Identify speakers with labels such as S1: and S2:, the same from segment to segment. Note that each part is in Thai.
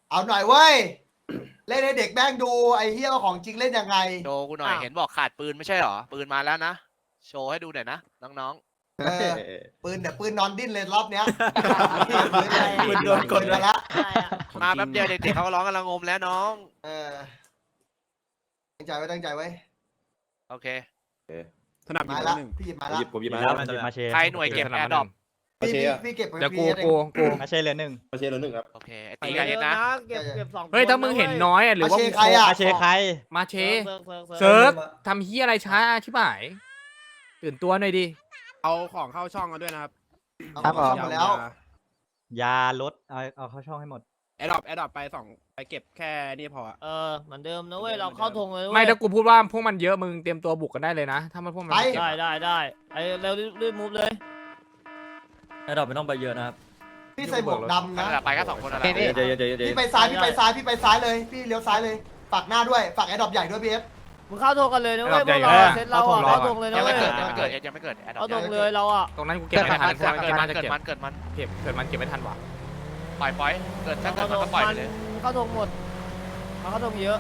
S1: เอาหน่อยเว้ยเล่นให้เด็กแม่งดูไอ้เฮียว่าของจริงเล่นยังไง
S2: โชว์กูหน่อยเห็นบอกขาดปืนไม่ใช่หรอปืนมาแล้วนะโชว์ให้ดูหน่อยนะน้อง
S1: เออปืนเดี๋ยวปืนนอนดิ้นเลยรอบเนี้ย
S3: ปืนโดนกด
S1: มาละ
S2: ๆมาแป๊บเดียวเด็กๆเขาก็ร้องกันละงมแล้วน้อง
S1: เออตั้งใจไว้ตั้งใจไว้
S2: โอเค
S3: ถนัด
S1: มา
S3: มา
S1: ละ
S3: หนึ่ง
S1: พี่หยิบมา
S3: ห
S1: ละ
S3: ยิบผมหยิบมา
S4: แล้วมันจะมาเช
S2: ใครหน่วยเก็บแอร์ดรอป
S1: พี่เก็บ
S5: เดี๋ยวกู
S4: มาเชเหลือหนึ่ง
S3: มาเชเหลือหนึ่งครับ
S2: โอเคไอตีกันเย็นนะ
S6: เก็บสอง
S5: เฮ้ยถ้ามึงเห็นน้อยอะหรือว่า
S1: ใครอ่ะ
S4: มาเชใคร
S5: มาเช
S6: เซิ
S5: เซิ
S6: ร์
S5: ร์
S6: ฟ
S5: กทำเฮียอะไรช้าชิบหายตื่นตัวหน่อยดิ
S3: เอาของเข้าช่องกันด้วยนะครับ
S1: เอาของเข้ามาแล้ว
S4: ยาลดเอาเข้าช่องให้หมด
S3: แอดดอปไปเก็บแค่นี่พอ
S6: เหมือนเดิมนะเว้ยเราเข้าธงเลย
S5: ไม่ถ้ากูพูดว่าพวกมันเยอะมึงเตรียมตัวบุกกันได้เลยนะ ถ้ามันพวกมัน
S1: ไป
S5: ไม่เก็บ
S6: ได้ไอ้เร็วรีบมูฟเลย
S4: ไอ้ดอกไม่ต้องไปเยอะนะครับ
S1: พี่ใส่หมวกดำ
S2: นั่
S1: นะ
S2: นแหละไปก็2คนนั่นแห
S3: เดี๋ยว
S2: ละ
S3: เดี๋ยว
S1: พี่ไปซ้ายพี่ไปซ้ายพี่ไปซ้ายเลยพี่เลี้ยวซ้ายเลยฝากหน้าด้วยฝากแอดดอปใหญ่ด้วยพี่เอฟ
S6: มึงเข้าธงกันเลยนะเว้ยพวกเราเซตเราเข้าธงเลยนะ
S2: ยัง
S6: เว้
S2: ไม่
S6: ย
S2: เกิดยังไม่เกิดแอร์ดรอ
S6: เข้า
S2: ป
S6: ธงเลยเราอ่ะ
S5: ตรงนั้นกูเก็บไม่ทัน
S2: เกิดมัน
S5: จะ
S2: เกิด
S5: เก็บ
S2: มันเกิดมัน
S5: เก็บมันไม่ทันว่ะ
S2: ปล่อยเกิดถ้าเกิดมันก็ปล่อยไปเลย
S6: เข้าธงหมดเข้าธงเยอะ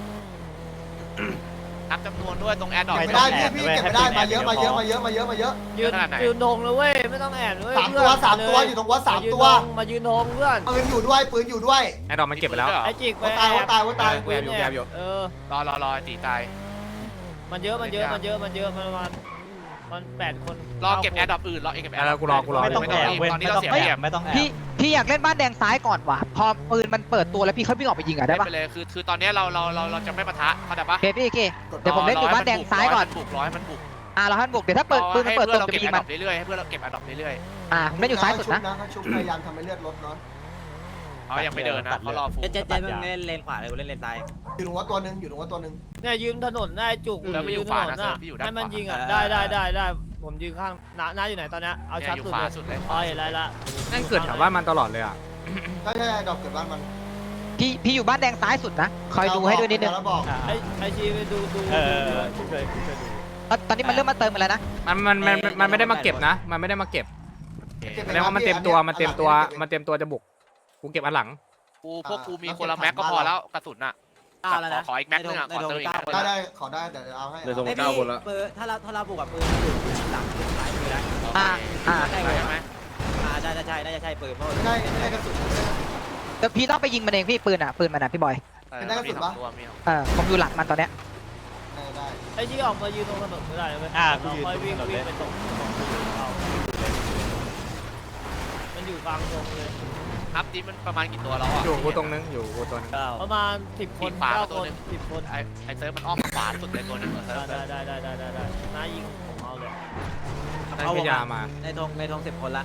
S2: นับจำนวนด้วยตรงแอร์ดรอป
S1: ไม่ได้พี่เก็บไม่ได้มาเยอะมาเยอะมาเยอะมาเยอะมาเยอะ
S6: ยืนธงเลยเว้ยไม่ต้องแอบเลย
S1: สามตัวอยู่ตรงวัดสามตัว
S6: มายืนธงเพื่อน
S1: ปืนอยู่ด้วยปืนอยู่ด้วย
S5: ไอ้ดอกมันเก็บไปแล้ว
S6: ไอ้จิกไป
S1: ว่าตายว่าตายว่าตาย
S3: แอบอยู่
S2: รอตีตาย
S6: มันเยอะมัน8 คน
S2: รอเก็บแอร์ดรอปอื่นรอเก็บแอร์
S5: แล้วกูรอ
S4: ไม่ต้องแอบเว้ย
S2: ตอนนี้
S4: ไม่
S2: เรา
S4: ต้อง
S2: เสีย
S4: แอ
S2: เปรีย
S4: บบ ไม่ต้องแอบ
S7: พี่อยากเล่นบ้านแดงซ้ายก่อนว่ะพอปืนมันเปิดตัวแล้วพี่ค่อยวิ่งออกไปยิงอ่ะได้ปะ
S2: ไปเลยคือตอนนี้เราจะไม่ปะทะเข้าใจปะ
S7: โอเคพี่โอเคเดี๋ยวผมเล่นอยู่บ้านแดงซ้ายก่อน
S2: ร้อยมันบุก
S7: เราให้มันบุกเดี๋ยวถ้าเปิดปืนมันเปิดตัว
S2: เรา
S7: จะ
S2: เก็
S7: ไป
S2: บ
S7: ยิ
S2: แอง ร์ด
S7: มั
S2: รอน ปเรื่อยๆให้เพื่อนเราเก็บแอร์ดรอปเรื่อย
S7: ผมเล่นอยู่ซ้ายสุดนะ
S1: เขาชุบพยายามทำให้เลือดลดเนาะ
S2: ๆเขายังไม่เดินนะเขารอฟู
S4: เจ๊มึงเล่นเลนขวาเลยกูเล่นเลนซ้าย
S1: อยู่ตรงวัดตัวหนึ่งอยู่ตรงวัดตัวหนึ่ง
S6: เนี่ยยืนถนนได้จุกให้มันยิงอ่ะได้ผมยืนข้างน้าอยู่ไหนตอนนี้เอาชัด
S2: อยู่
S6: สุด
S2: ขวา
S6: เลย
S2: สุดเลย
S6: อ๋อเห็นไรละ
S5: นั่นเกิดแถวบ้านมันตลอดเลยอ่ะ
S1: ใช่ดอกเกิดบ้านมัน
S7: พี่อยู่บ้านแดงซ้ายสุดนะคอยดูให้ด้วยนิดนึง
S1: แล้วบอก
S6: ไอชีไปดู
S4: ช่วย
S7: ตอนนี้มันเริ่มมาเติมมาแล้วนะ
S5: มันไม่ได้มาเก็บนะ มันไม่ได้มาเก็บแสดงว่ามันเต็มตัวจะบุกกูเก็บอันหลัง
S2: พวกกูมีคนละแม็กก็พอแล้วกระสุนอ่ะขออีกแม็กนึงอ่ะขอเติมอีกแม็กนึง
S1: ได้ขอได้เดี๋ยวเอาให้
S3: ในตรง9 คนละ
S4: ปืนถ้าเราบุกกับปืนอยู่หลังสายมือได้
S2: ใช่ไหม
S4: น่าจะใช่ปืนเพราะ
S1: ได้กระสุน
S7: แต่พี่ต้องไปยิงมันเองพี่ปืนมันพี่บอย ผมอยู่หลังมันตอนเนี้ย
S1: ได้
S6: ไอชีออกมายืนตรงถนนไม่ได้เลยค่อยวิ่งไปตรงมันอยู่กลางวงเลย
S2: นับดิมันประมาณกี่ตัวแล้วอ่ะ
S5: อยู่กูตรงนึงอยู่กูตัวนึง
S6: ประมาณ10 คน9 คน10 คน
S2: ไอเซิร์ฟมันอ้อมขวาสุดเลยตัวนึงเซิร์ฟ
S6: ได้น้ายิงผมเอาเลย
S5: ได้พยามา
S4: ในธง10 คนละ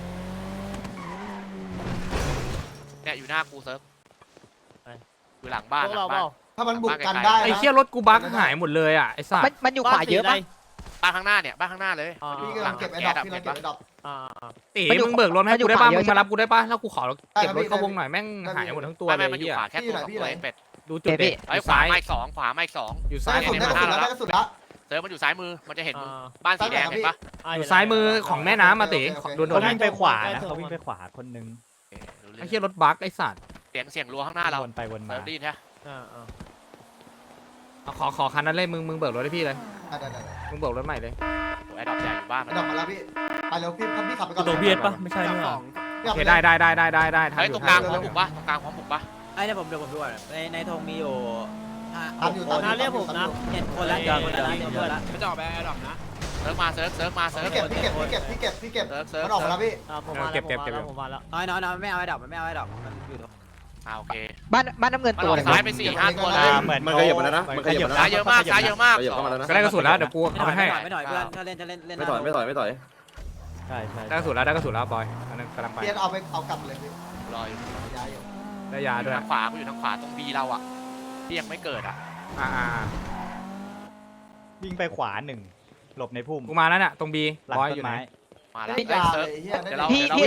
S2: เนี่ยอยู่หน้ากูเซิร์ฟอยู่หลังบ้าน
S6: พวกเราเปล่า
S1: ถ้ามันบุกกันได้
S5: ไอ้เชี่ยรถกูบั๊กหายหมดเลยอ่ะไอ้สัส
S7: มันอยู่ขวาเยอะปะ
S2: บ้านข้างหน้าเนี่ยบ้านข้างหน้าเลย
S1: พี่กำลังเก็บไอ้ดอกพี่กำลังเก็บไอ้ดอก
S5: ตีมึงเบิกรถให้กูได้ป่ะมึงมารับกูได้ป่ะแล้วกูขอเก็บรถเข้าวงหน่อยแม่งหายหมดทั้งตัวเล
S2: ไม่
S5: ย
S2: มันอยู่
S5: เฮีย
S2: ขวาแค่ตัวเป็ด
S5: ดูจุดเด็ด
S2: ไอ้ขวาไม่2ขวาไม่2
S5: อยู่
S1: ได้
S5: ซ้าย
S1: กระสุนได้กระสุนแล้วได้กระสุนแล้ว
S2: เซิร์ฟมันอยู่ซ้ายมือมันจะเห็นบ้านสีแดงเห็นปะ
S5: อยู่ซ้ายมือของแม่น้ำมาตีโดน
S4: เขาวิ่งไปขวานะเขาวิ่งไปขวาคนนึง
S5: ไอ้เชี่ยรถบั๊กไอ้สัส
S2: เสียงรัวข้างหน้าเรา
S4: วนไปวนมา
S2: เซิร์ฟได้ยินใช่
S5: ขอคันนั้นเลยมึงเบิกรถให้พี่เลย
S1: ได้
S5: มึงเบิกรถใหม่เลย
S2: ไอ้ดอกใหญ่อยู่บ้าน
S1: ไอ้ดอกมาแล้วพี่ไปเร็วพี่ขับไปก่อน
S4: ตัวเบียดปะไม่ใช่เนี่ย
S5: โอเคได้ทัน
S2: เฮ้ย
S5: อ
S2: ตร
S5: ยู่
S2: งกลางพร้อมบุกปะตรงกลางพร้อมบุกปะ
S4: ไอ้เนี่ยผมเดี๋ยวผมดูในธงมีอยู่
S1: ตามอยู่ตาม
S6: น้าเรียกผมนะ
S4: 7 คนละ7 คนละ
S3: ไม่จะออกไปแอดดอปนะ
S2: เซิร์ฟมาเซิร์ฟมาเซิร์ฟ
S1: พี่เก็บมันออกมาแล้วพี่
S6: ผมมาแล้ว
S4: น้อยไม่เอาไอ้ดอกมันไม่เอาไอ้ดอกมันอยู่
S2: โอเค
S7: บ้านน้ำเงิน
S2: มัน
S7: ตั
S2: อ
S7: ว
S2: อก
S7: เลย
S2: ซ้ายไป4-5ตัวเลย
S3: มันขยับมาแล้วนะมันขยับมาแล้ว
S2: ซ้ายเยอะมากซ้ายเยอะมาก
S3: ขยับเข้ามาแล้วนะ
S5: ก็ได้กระสุนแล้วเดี๋ยวกูเอาไปให้
S4: ไม่หน่อยเพื่อนถ้าเล่นเล่น
S3: ไม่ต่อย
S4: ใช่
S5: ได้กระสุนแล้วบอยอันนั้นกำลังไป
S1: เพียนเอาไปเอากลับเลยพี่
S2: รออยู่
S1: ย้ายอยู่
S5: ได้ยาด้วย
S2: ทางขวากูอยู่ทางขวาตรงบีเราอ่ะที่ยังไม่เกิดอ่ะ
S4: วิ่งไปขวา1หลบในพุ่ม
S5: กูมาแล้วเนี่ยตรงบี
S4: หลัง
S5: บอย
S4: ต้
S5: อยู่
S4: น
S5: ไหน
S4: ไม้
S2: มาแล้ว
S1: พี่
S2: เซิ
S1: ยา
S2: ร์ฟ
S1: เลยเฮีย
S2: เดี๋ยวเรา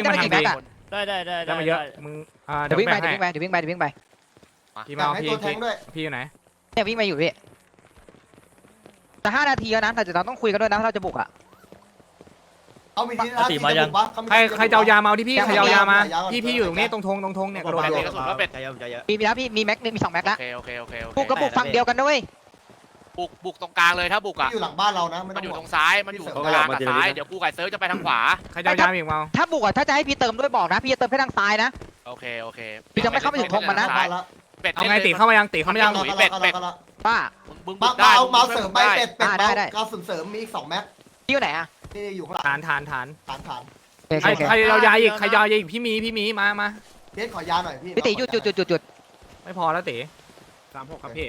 S5: ได้มาเยอะมึงเดี๋
S7: เดี๋
S5: ย
S7: ยว ว
S5: วิ่
S7: วิ่
S5: ง
S7: ง
S5: ไป
S7: ไปเดี๋ยววิ่งไป
S5: พี่มา
S1: ให้ตัวแทงด้วย
S5: พี่อยู่ไหน
S7: เนี่ยวิ่งไปอยู่พี่แต่5 นาทีแล้วนะแต่เราต้องคุยกันด้วยนะถ้าเราจะบุกอ่ะ
S1: เอามีทีท่าทีจะบุกปะ
S5: ใครจะเอายามาเอาที่พี่ใครจะเอายามาพี่อยู่ตรงนี้ตรงธงเนี่ยกระโดด
S2: กระสุนก็เป็ด
S7: มีแล้วพี่มีแม็กนึงมี2แม็กแล้ว
S2: โอเค
S7: บุกกระบุกฝั่งเดียวกันด้วย
S2: บุกตรงกลางเลยถ้าบุกอ่ะ
S1: อยู่หลังบ้านเรานะไม่
S2: มั
S1: ต้
S2: น
S1: อง
S2: อยู่
S1: ห่
S2: ต
S1: ว
S2: รง งซ้ายมันอยู่ตรงกลางกับซ้ายเดี๋ยวกูไก่เซิร์ฟจะไปทางขวา
S5: ใครจะเอายาอีกมา
S7: ถ้าบุกถ้าจะให้พี่เติมด้วยบอกนะพี่จะเติมแค่ทางซ้ายนะ
S2: โอเค
S7: พี่จะไม่เข้าไปถึงธงมันนะ
S2: เป็ด
S5: เอาไงตีเข้ามายังตีเข้ามายัง
S7: ป้า
S2: มึง
S1: มา
S2: ได้
S1: เอาเสริมไปเป็ด
S7: ได้
S1: กระสุนเสริมมีอีก2แม็ก
S7: พี่อยู่ไหนอ่ะ
S1: นี่อยู่ข้างหลัง
S5: ฐาน
S1: ฐาน
S5: ใครเอายาอีกใครเอายาอีกพี่มีมา
S1: เด็ดขอยาหน่อยพี่
S7: พี่ตีจุด
S5: ไม่พอแล้วตี
S3: 36ครับพี่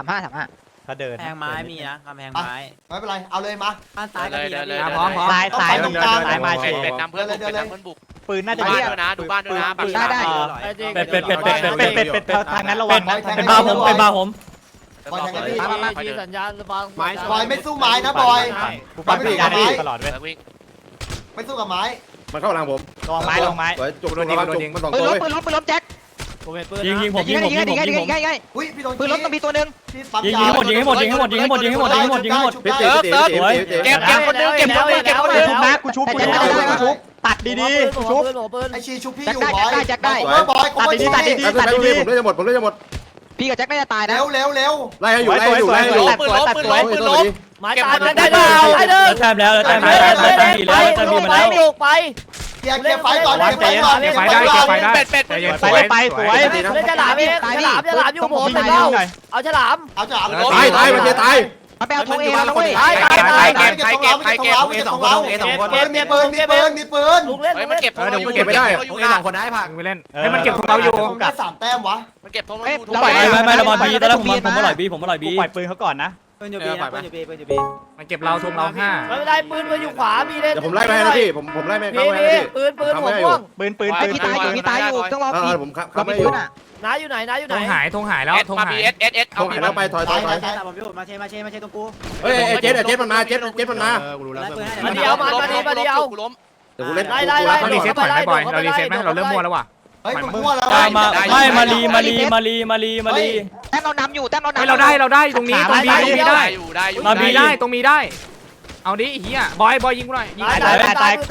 S7: 35
S4: ถ้าเดิน
S8: แพงไม้มีนะกำแพงไม้
S1: ไม่เป็นไรเอาเลยมา
S8: บ้านซ้ายก็มีนะพี่
S5: พร้อม
S4: ซ้าย
S1: ซ้ายตรงกลาง
S4: ซ้ายมา
S2: เป็ดนำเพื่อนบุก
S4: ปืนน่า
S2: ดู
S4: จะ
S2: บ้าน
S4: เรียก
S2: ด้วยนะดูบ้านด้วยนะ
S7: ได้
S4: เป็ดทางนั้นระวัง
S1: เป็นบาผมเป็นบาผม
S6: บอยที่สัญญาณฟัง
S1: บอยไม่สู้ไม้นะบอย
S4: กูฟังพี่ยาได้ตลอดเว้ย
S1: ไม่สู้กับไม้
S3: มันเข้าหลังผม
S4: ลองไม้
S3: จุกมัน2
S7: ปืน
S3: ตัว
S7: ล้
S3: เลย
S7: มปืนล้มแจ็ค
S6: ผมเป็นปืน
S8: ยิงผม
S7: ยิงให้
S1: อุ้ยพี่โดน
S7: ปืนล้มต้องมีตัวนึง
S1: พี่ปั๊ม
S8: ยิงให้หมดยิงให้หมดยิงให้หมดยิงให้หมดยิงให้หมดยิงให้หมดยิงให้หมด
S3: พี่ตีพี่ตีพี่ตี
S2: เก็บคนนึงเก็บคนนึง
S4: ชุบนะกูชุบตัดดีๆกูชุบ
S6: ปืน
S1: ไอชีชุบพี่
S7: แจ็ค
S1: อยู่
S7: ได้
S1: บอย
S7: แจ็คได้
S1: บอยกูไม่
S4: ตัดดี
S1: ดี
S3: ผมเล่นจะหมดผมเล่นจะหมด
S7: พี่กับแจ็คน่าจะตายนะ
S1: เร็ว
S3: ไล่ให้อยู่ไล่ให้อยู่ไล่ให้อยู่
S2: ปืนล้ม
S6: ไม้ตายได้เปล่าได้เด้อ
S8: แทบแล้วแทบ
S6: ไป
S8: แล้ว
S6: ไป
S1: เกียร์ไฟก่อนเกียร์ไฟก่อน
S5: เก็บไฟได้
S2: เป็ด
S5: ใจเย็น
S4: ไปไปสวย
S6: เล่นฉลามเองฉลามอยู่ผมเป็นเป้าเอาฉลาม
S1: เอาจะเอา
S3: ตายมันจะตาย
S7: มาไปเอาธงเอมาแล้วเว้ย
S2: เก็บใครเก็บ
S1: มีปืนมีปืน
S6: ลุงเล่น
S2: เฮ้ยมันเก็บ
S3: เก็บไม่ได้
S5: คนได้ผักไปเล่นให้มันเก็บของเราอยู่
S1: ได้3แต้มวะ
S2: มันเก็บทง
S8: ไม่ระบอลบีตอนแรกผมอร่อยบีผมอร่อย
S4: กู
S8: บี
S4: ปล่อยปืนเขาก่อนนะ
S8: ปืนอยู่บีปืนอยู่บีปืนอยู่บี
S5: มันเก็บเราทุงเรา5
S6: ไม่เป็นไรปืนอยู่ขวามีเล่น
S3: เดี๋ยวผมไล่ไปนะพี่ผมไล่แม่เข้า
S6: มี
S3: ไปนะพี่
S6: ปืนหัวม่วง
S4: ปืน
S7: พี่ตายอยู่ต้องรอพี่
S3: ผมขับ
S7: เรา
S3: ไม่
S7: มี
S3: อ
S7: ปื
S3: ยู่
S7: นอ่ะ
S6: น้าอยู่ไหนน้าอยู่ไห
S5: ธ
S6: น
S5: งหายแล้วธง
S2: มา
S5: หา
S2: บี
S5: ย
S2: เอส
S3: ตรงไหนแล้วไปถอย
S8: ผมอยู่มาเชตรงกู
S3: เฮ้ยเจ็ดมันมาเจ็ดมันมา
S6: มาเดียวมาเดียว
S2: ล้ม
S3: เดี๋ยวกูเล่น
S5: เรารีเซ็ตถอยไหมบอยเรารีเซ็ตไหมเราเริ่มมั่วแล้วว่ะ
S1: เฮ้ยมั่วแล้ว
S8: ไม่มาลี
S7: แต้มเรานำอยู่แต้มเรานำ
S5: เราได้ตรงนี้ตรงบีได้
S2: อยู่
S5: มาบีได้ตรงมีได้เอาดิเฮียบอยยิงกูหน่อยยิง
S6: ตาย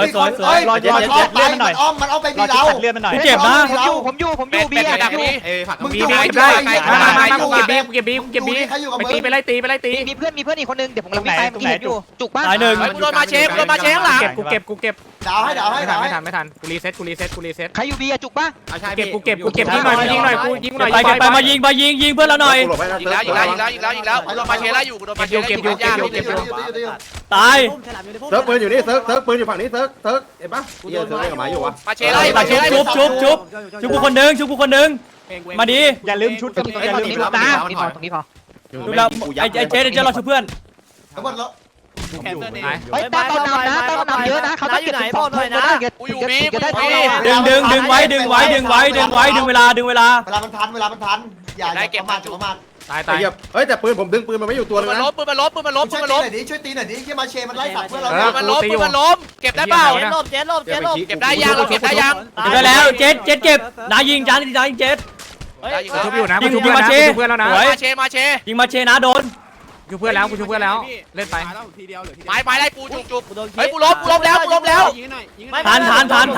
S1: อ้อมมันเอาไปบี
S4: รอ
S1: เรา
S4: ตัดเลือดมันหน่อย
S8: เจ็บนะ
S7: ผมอยู่เบียร์
S1: มึง
S5: บี
S1: อยู่
S5: บี
S1: ไหน
S5: เก็บได้มากูเก็บบีไปตีไปไล่ตี
S7: มีเพื่อนอีกคนนึงเดี๋ยวผมกำลังไปเมื่อกี้เห็นอยู่จุกบ้าน
S8: ตายหนึ่ง
S2: กูโดนมาเชฟข้างหลัง
S5: กูเก็บ
S1: ดาวให้
S5: ไม่ทันกูรีเซ็ต
S7: ใครอยู่เบียร์จุกบ้า
S5: เก็บยิงหน่อยยิงหน่อยกูยิงหน่อย
S8: ไปมายิงเพื่อนเราหน่อย
S2: อีกแล้วกูโดนมาเชฟแล้วอยู่กูโดนมาเชฟ
S8: ตาย
S3: เซิร์ฟปืนอยู่นี่เซิร์ฟปืนอยู่ฝั่งนี้เซิร์ฟเห็นปะเซิร์ฟเล่นกับหมาอยู่วะ
S2: มาเชฟไล่มาเชฟไล่
S8: ชุบกูคนนึงมาดี
S4: อย่าลืมชุดกับอย่าลืมชุดนะ
S7: ตรงนี้พอ
S8: ดูเราไอ้เจ๊เราช่วยเพื่อน
S1: ทั้งหมดแล้ว
S7: เฮ้ยแต้มเรานำเยอะนะเขาต้องเก็บถึง2คนนะจะได้เท่าเรา
S8: ดึงไว้ดึงเวลา
S1: เวลามันทันอย่าประมาท
S5: ตาย
S3: เฮ้ยแต่ปืนผมดึงปืนมันไม่อยู่ตัวนึง
S2: มัน
S3: นะ
S2: ล้มปืนมันล้ม
S1: ช่วยตีหน่อยดิที่มาเชมันไล่สับเพื่อนเรา
S2: มันล้มเก็บได้เปล่า
S6: เจ๊ลบ
S2: เก็บได้ยังเราเก็บได้ยัง
S8: ได้แล้วเจ๊เก็บนายิงจานเจ๊
S5: ชุบอยู่นะชุบเพื่อนแล้วนะ
S2: มาเช
S8: ยิงมาเชนะโดน
S5: ชุบเพื่อนแล้วเล่นไป
S2: ไม้ไล่กูจุกเฮ้ยกูล้มแล้ว
S8: ทัน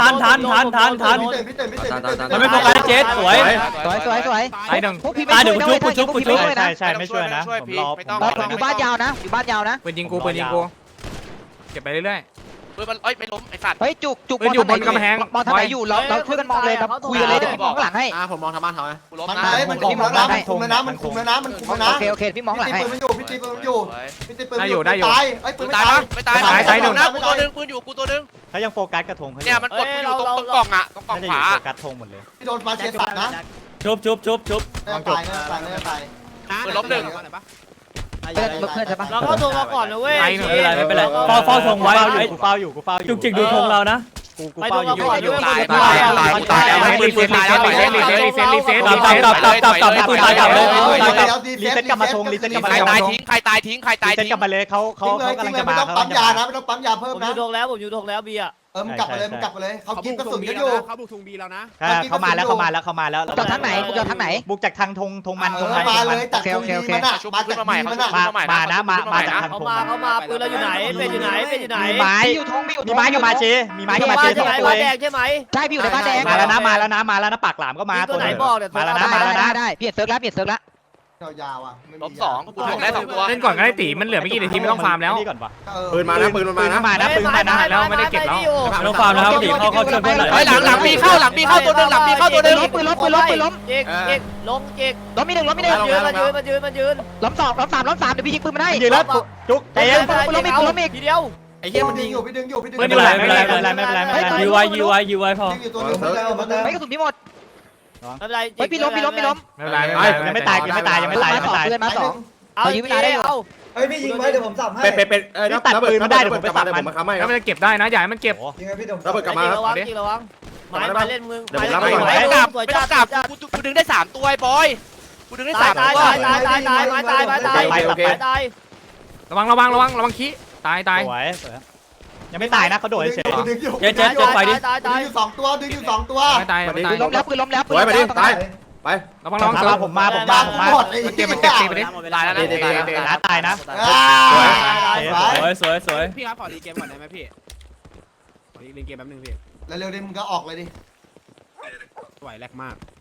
S8: มันไม่โฟกัสเจ๊สวย
S5: ตายหนึ่ง
S7: พวกพี่ไม่ช่วยด้วยนะ
S4: ใช่ไม่ช่วยนะผมรอ
S7: อยู่บ้านยาวนะอยู่บ้านยาวนะ
S5: ปืนยิงกูเก็บไปเรื่อย
S2: ปืนมันไม่ล้มไอ้สัตว์
S7: เฮ้ยจุกมองทางไหนอยู่เราช่วยกันมองเลยเราคุยกันเลยเดี๋ยวพี่มองข้างหลังให้
S3: ผมมองทางบ้านเขาไง
S2: กูล้ม
S1: มัน
S2: นะ
S1: มันคุมแล้วนะมันคุมแล้วนะมันคุมแล้วนะ
S7: โอเคพี่มองข้างหลังให้
S1: พี่ตีปืนมันอยู่พี่ตีปืนมันอยู่ตายไอ้ปืน
S2: ตาย
S1: ไม่
S2: นะ
S1: ตาย
S2: ไม่ตายนะกูตัวนึงปืนอยู่กูตัวนึง
S4: เขายังโฟกัสกระทงเขาอ
S2: เนี่ย
S4: ยู่
S2: มันกดอยู่ตรงกล่องอ่ะตรงกล่อง
S4: น่าจะอ
S2: ข
S4: ยู่
S2: วา
S4: โฟกัสธงหมดเลย
S1: พี่โดนมาเชสัตนะ
S8: ชุบ
S1: ตาย
S2: ปืนล้มหนึ่ง
S7: เพื่อนใช่ปะ
S6: เราเข้าตัวมาก่อนนะเว้ย
S8: ไม่เป็นไรเฝ้าธงไว้
S4: กูเฝ้าอยู่
S8: จุกจิกดูธงเรานะ
S4: กูเฝ้าอยู่
S2: ตายแล้วรีเซ็ต
S8: กลับปืนตายกลับเลย
S4: รีเซ็ตกลับมาธงรีเซ็ตกลับมา
S2: ใครตายทิ้งใครตายทิ้ง
S4: รีเซ็ตกลับมาเลยเขากำลังจะมา
S1: ไม่ต้องปั๊มยานะไม่ต้องปั๊มยาเพิ่ม
S6: ผม
S1: นะ
S6: อยู่ทงแล้วเบียร์
S1: มึงกลับไปเลยมึงกลับไปเลยเขากินกระสุนกันอยู่
S9: เขาบุกธงบีแล้วนะ
S4: เข้ามาแล้วเข้ามาแล้วเข้ามาแล้ว
S7: บุกจากทางไหนบุกจากทางไหน
S4: บุกจากทางธงมันธงมัน
S1: มาเลยจากตรงนี้มันอะมาจากนี้มันอะ
S4: มาจากทาง
S6: เขา
S4: ธง
S6: มาปืนเราอยู่ไหนเป็นอยู่ไหนเป็นอยู่ไหน
S4: มีไม้
S7: อยู่ทงมีอยู่
S4: มีไม้กับมาเชมีไม้กับมาเช
S6: ใช่
S4: สอง
S6: ไหม
S4: ตัว
S6: บ้าน
S4: เอ
S6: แด
S4: ง
S6: งใช่ไหม
S7: ใช่พี่อยู่ในบ้านแดง
S4: มาแล้วนะปากหลามก็มา
S6: ตัวไหนบอกเนี่ย
S4: มาแล้วนะ
S7: ได้พี่เห็นเซิร์ฟแล้วพี่เห็นเซิร์ฟแล้ว
S1: ยาวๆอ่ะ
S2: ล้ม2กูบอกได้2ตัว
S5: เล่นก่อนก็ได้ตีมันเหลือไม่กี่นาทีไม่ต้องฟาร์มแล้ว
S4: นี่ก่อนปะ
S3: ปืนมานะปืนมันมานะ
S4: มานะปืนมานะ
S5: แล้วไม่ได้เก็บแล้ว
S8: น้องฟาร์มนะครับตีเข้าช่วยเพื่อนหน่อย
S2: เฮ้ยหลังมีเข้าตัวนึงหลังมีเข้าตัวนึง
S7: ปืนล้ม
S6: เจ๊กลงเจ๊ก
S7: ล้มมีหนึ่ง
S6: มายืน
S7: ล้มสองล้มสามเดี๋ยวพี่ยิงปืนมาได้
S4: ยิงแล้วจุกใจเย็น
S6: ทีเดียว
S1: ไอ้เหี้ยมันดึงอยู่พี่ดึงอยู่พี่ดึง
S8: ไม่เป็นไรยูไวพอ
S1: ดึงอยู่ตัวนึงมันเลย
S7: ไม่กระสุนพี่หมด
S6: ไม่เป็นไร
S7: เฮ้ยพี่ล้ม
S5: ไม่เป็นไร
S4: ยังไม่ตาย
S7: เพื่อนมาสอง
S6: เอายืมเวลาได้เอา
S10: เฮ้ยพี่ยิงไว้เดี๋ยวผมสับให้
S3: เป็นระเบิดกลับมา
S5: แล้วมันจะเก็บได้นะอย่าให้มันเก็บ
S10: ยิงไงพี่เดี๋ยว
S3: ระเบิดกลับมา
S6: ระวังระวังไม้เล่นมึง
S2: ไม่ต้องกลับกูดึงได้3ตัวไอ้บอยกูดึงได้3ตัว
S6: ตาย
S5: ระวังขี้ตาย
S4: สวยยังไม่ตายนะเขาโดดเฉย
S1: ดึงอยู่
S6: ตาย
S1: ดึงอยู่2ตัวดึงอยู่2ตัว
S5: ไม่ตาย
S7: ปืนล้มแล้วปืนล้มแล้ว
S3: สวยไปดิตายไประ
S5: วัง
S4: ผมมา
S1: หมดไอ้
S5: เก็บมันเก็บตีไปดิ
S2: ตายแล้วนะ
S4: ตายนะ
S8: สวย
S9: พี่ครับขอรีเกมก่อนได้ไหมพี่ขอรีเกมแป๊บนึงพี่
S1: เร็วๆดิมึงก็ออกเลยดิ
S9: ไหวแรกมาก